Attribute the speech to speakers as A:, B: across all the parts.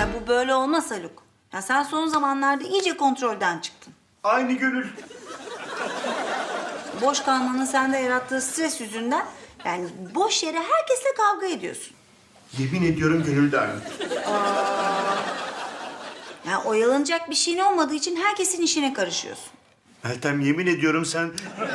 A: Ya bu böyle olmaz Haluk. Ya sen son zamanlarda iyice kontrolden çıktın.
B: Aynı Gönül.
A: Boş kalmanın sende yarattığı stres yüzünden yani boş yere herkesle kavga ediyorsun.
B: Yemin ediyorum Gönül de aynı.
A: Yani oyalanacak bir şeyin olmadığı için herkesin işine karışıyorsun.
B: Meltem yemin ediyorum sen...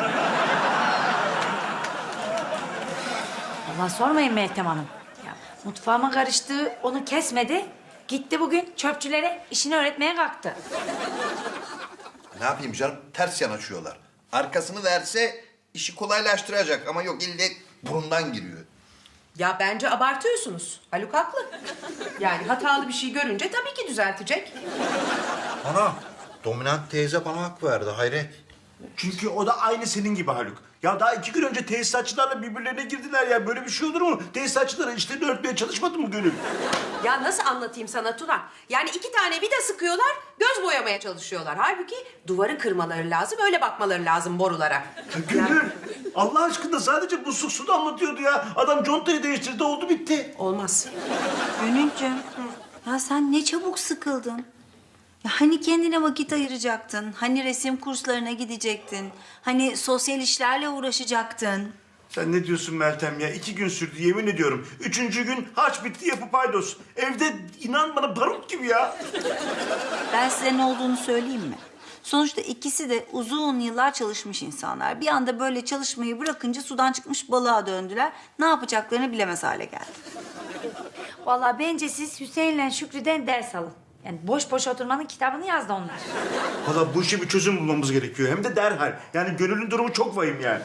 C: Allah sormayın Meltem Hanım. Ya, mutfağıma karıştığı onu kesmedi. Gitti bugün çöpçülere işini öğretmeye kalktı.
D: Ne yapayım canım? Ters yanaşıyorlar. Arkasını verse işi kolaylaştıracak ama yok ille burundan giriyor.
E: Ya bence abartıyorsunuz. Haluk haklı. Yani hatalı bir şey görünce tabii ki düzeltecek.
D: Ana, dominant teyze bana hak verdi hayret.
B: Çünkü o da aynı senin gibi Haluk. Ya daha 2 gün önce tesisatçılarla birbirlerine girdiler ya. Böyle bir şey olur mu? Tesisatçılara işlerini örtmeye çalışmadı mı Gönül?
E: Ya nasıl anlatayım sana Tuna? Yani 2 tane vida sıkıyorlar, göz boyamaya çalışıyorlar. Halbuki duvarı kırmaları lazım, öyle bakmaları lazım borulara.
B: Ya Gönül, Allah aşkına sadece musluk su damlatıyordu ya. Adam contayı değiştirdi, oldu bitti.
E: Olmaz.
A: Gönülcüm, ya sen ne çabuk sıkıldın. Ya hani kendine vakit ayıracaktın, hani resim kurslarına gidecektin, hani sosyal işlerle uğraşacaktın.
B: Sen ne diyorsun Meltem ya? 2 gün sürdü yemin ediyorum. 3. gün harç bitti yapı paydos. Evde inan bana barut gibi ya.
A: Ben size ne olduğunu söyleyeyim mi? Sonuçta ikisi de uzun yıllar çalışmış insanlar. Bir anda böyle çalışmayı bırakınca sudan çıkmış balığa döndüler. Ne yapacaklarını bilemez hale geldi.
C: Vallahi bence siz Hüseyin'le Şükrü'den ders alın. Yani boş boş oturmanın kitabını yazdı onlar.
B: Valla bu işe bir çözüm bulmamız gerekiyor. Hem de derhal. Yani Gönül'ün durumu çok vahim yani.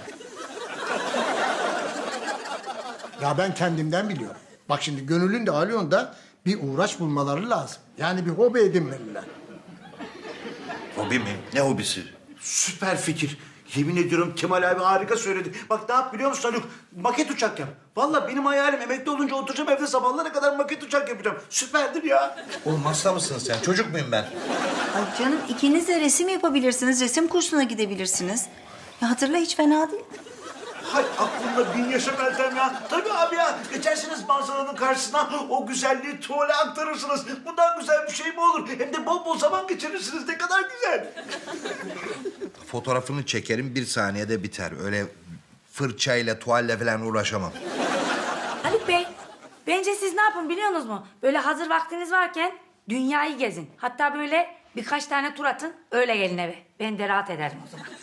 F: Ya ben kendimden biliyorum. Bak şimdi Gönül'ün de Alyon da bir uğraş bulmaları lazım. Yani bir hobi edinmeliler.
D: Hobi mi? Ne hobisi?
B: Süper fikir. Yemin ediyorum Kemal abi harika söyledi. Bak ne yap biliyor musun Haluk? Maket uçak yap. Vallahi benim hayalim emekli olunca oturacağım evde sabahlara kadar maket uçak yapacağım. Süperdir ya.
D: Oğlum hasta mısın sen? Çocuk muyum ben?
A: Ay canım ikiniz de resim yapabilirsiniz, resim kursuna gidebilirsiniz. Ya hatırla hiç fena değil.
B: Hay aklımda bin yaşa Meltem ya. Tabii abi ya. Geçersiniz manzaranın karşısına o güzelliği tuvale aktarırsınız. Bundan güzel bir şey mi olur? Hem de bol bol zaman geçirirsiniz. Ne kadar güzel.
D: Fotoğrafını çekerim 1 saniyede biter. Öyle fırçayla, tuvalle falan uğraşamam.
C: Haluk Bey, bence siz ne yapın biliyor musunuz mu? Böyle hazır vaktiniz varken dünyayı gezin. Hatta böyle birkaç tane tur atın, öyle gelin eve. Ben de rahat ederim o zaman.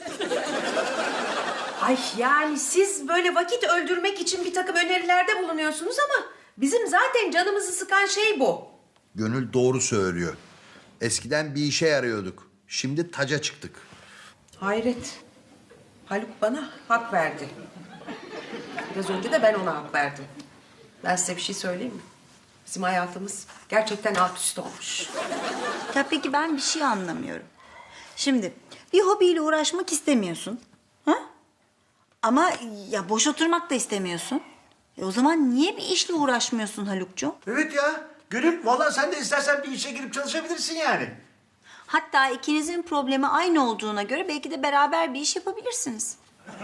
E: Ay yani siz böyle vakit öldürmek için bir takım önerilerde bulunuyorsunuz ama bizim zaten canımızı sıkan şey bu.
D: Gönül doğru söylüyor. Eskiden bir işe yarıyorduk. Şimdi taca çıktık.
E: Hayret. Haluk bana hak verdi. Biraz önce de ben ona hak verdim. Ben size bir şey söyleyeyim mi? Bizim hayatımız gerçekten alt üst olmuş.
A: Ya peki ben bir şey anlamıyorum. Şimdi bir hobiyle uğraşmak istemiyorsun. Ha? Ama ya boş oturmak da istemiyorsun. O zaman niye bir işle uğraşmıyorsun Halukcuğum?
B: Evet ya. Gönül vallahi sen de istersen bir işe girip çalışabilirsin yani.
A: Hatta ikinizin problemi aynı olduğuna göre belki de beraber bir iş yapabilirsiniz.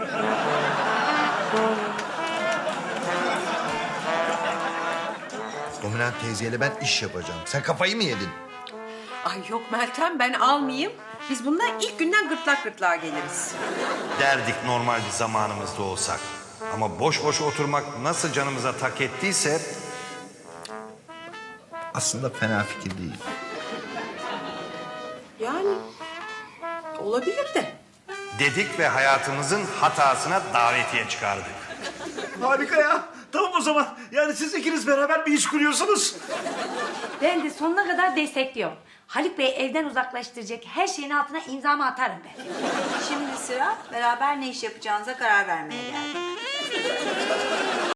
D: Dominant teyzeyle ben iş yapacağım. Sen kafayı mı yedin?
E: Ay yok Meltem ben almayayım. Biz bundan ilk günden gırtlak gırtlağa geliriz.
G: Derdik normal bir zamanımızda olsak. Ama boş boş oturmak nasıl canımıza tak ettiyse...
D: Aslında fena fikir değil.
E: Yani olabilir de.
G: dedik ve hayatımızın hatasına davetiye çıkardık.
B: Harika ya. Tamam o zaman. Yani siz ikiniz beraber bir iş kuruyorsunuz.
C: Ben de sonuna kadar destekliyorum. Haluk Bey evden uzaklaştıracak her şeyin altına imzamı atarım ben.
A: Şimdi sıra beraber ne iş yapacağınıza karar vermeye geldi.